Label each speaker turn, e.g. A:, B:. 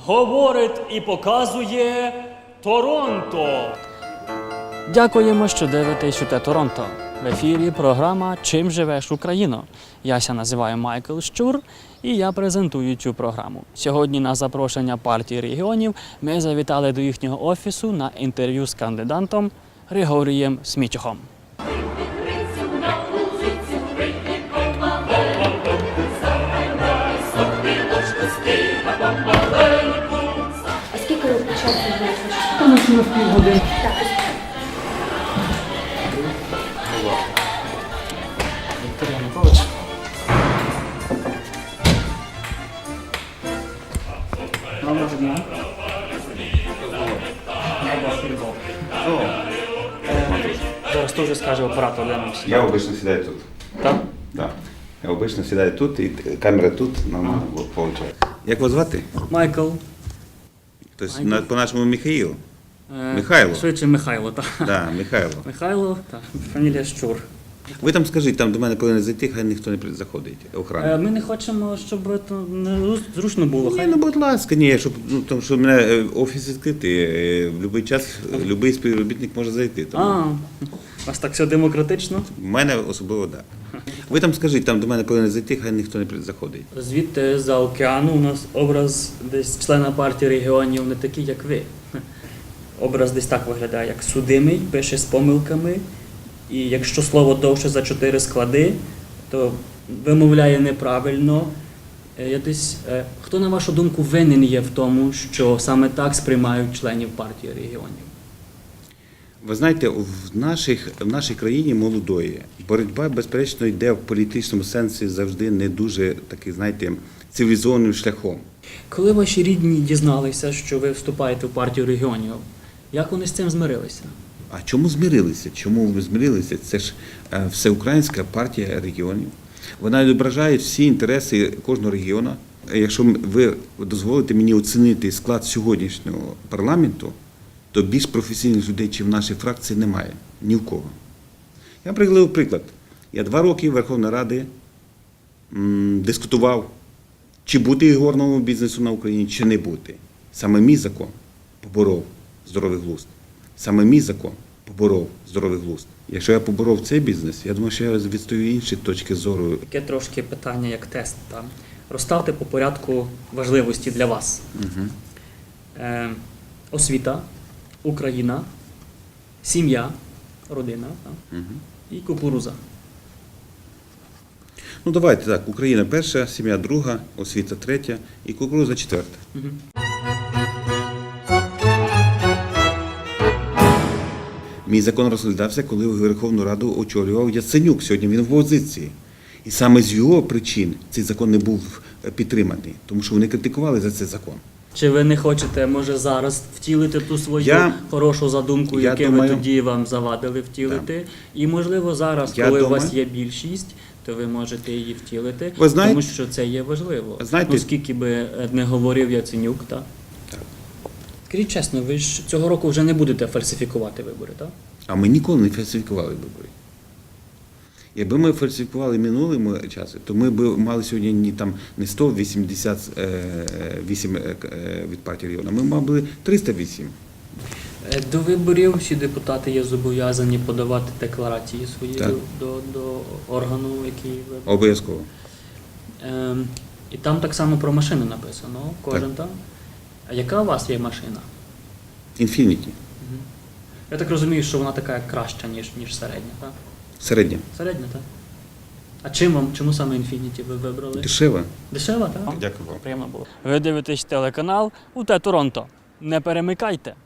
A: говорить і показує Торонто.
B: Дякуємо, що дивитесь УТ Торонто. В ефірі програма «Чим живеш, Україно?». Яся називаю Майкл Щур і я презентую цю програму. Сьогодні на запрошення партії регіонів ми завітали до їхнього офісу на інтерв'ю з кандидатом Григорієм Смічухом.
C: А скільки ви часу вийшли?
B: Тому що на півгодини. Віктор Янукович. Доброго дня. Зараз то вже скаже оператор, де нам сідати.
D: Я обычно сідаю тут.
B: Так?
D: Да. Я обычно сідаю тут, і камера тут, нормально виходить. Як вас звати?
B: Майкл.
D: Тобто, по-нашому Михаїл. Михайло.
B: Швидше Михайло, так.
D: Да, Михайло.
B: Михайло, так. Фамілія Щур.
D: Ви там скажіть, там до мене повинен зайти, хай ніхто не заходить, охрана.
B: Ми не хочемо, щоб це не зручно було.
D: Ні, ну, будь ласка, ні, щоб, тому що в мене офіс відкритий, в будь-який час будь-який співробітник може зайти. Тому...
B: У вас так все демократично?
D: В мене особливо так. Ви там скажіть, там до мене повинен зайти, хай ніхто не заходить.
B: Звідти за океану у нас образ десь члена партії регіонів не такий, як ви. Образ десь так виглядає, як судимий, пише з помилками. І якщо слово довше за 4 склади, то вимовляє неправильно. Хто, на вашу думку, винен є в тому, що саме так сприймають членів партії регіонів?
D: Ви знаєте, в нашій країні молодої боротьба, безперечно, йде в політичному сенсі завжди не дуже такий, знаєте, цивілізованим шляхом.
B: Коли ваші рідні дізналися, що ви вступаєте в партію регіонів, як вони з цим змирилися?
D: А чому змирилися? Чому ви змирилися? Це ж Всеукраїнська партія регіонів. Вона відображає всі інтереси кожного регіону. Якщо ви дозволите мені оцінити склад сьогоднішнього парламенту, то більш професійних людей, чи в нашій фракції, немає. Ні в кого. Я приведу приклад. Я 2 роки Верховної Ради дискутував, чи бути ігорному бізнесу на Україні, чи не бути. Саме мій закон поборов здоровий глузд. Саме мій закон поборов здоровий глузд. Якщо я поборов цей бізнес, я думаю, що я відстою інші точки зору.
B: Таке трошки питання, як тест. Там. Розставте по порядку важливості для вас.
D: Угу.
B: Освіта, Україна, сім'я, родина
D: Угу.
B: і кукуруза.
D: Ну давайте так, Україна перша, сім'я друга, освіта третя і кукуруза четверта.
B: Угу.
D: Мій закон розглядався, коли Верховну Раду очолював Яценюк. Сьогодні він в опозиції. І саме з його причин цей закон не був підтриманий, тому що вони критикували за цей закон.
B: Чи ви не хочете, може, зараз втілити ту свою хорошу задумку, яку ви тоді вам завадили втілити? Так. І, можливо, зараз, коли у вас є більшість, то ви можете її втілити, тому що це є важливо. Ну, скільки би не говорив Яценюк, так?
D: Так.
B: Скажіть чесно, ви ж цього року вже не будете фальсифікувати вибори, так?
D: А ми ніколи не фальсифікували вибори. Якби ми фальсифікували минулому часу, то ми б мали сьогодні не 188 від партії регіону, ми мали 308.
B: До виборів всі депутати є зобов'язані подавати декларації свої до органу, який вибрав.
D: Обов'язково.
B: І там так само про машини написано, кожен там. А яка у вас є машина?
D: Infiniti.
B: Я так розумію, що вона така краща, ніж середня, так?
D: Середня.
B: Середня, так. А чому саме Infiniti ви вибрали?
D: Дешева.
B: Дешева, так?
D: Дякую вам.
B: Приємно було. Ви дивитесь телеканал УТ Торонто. Не перемикайте.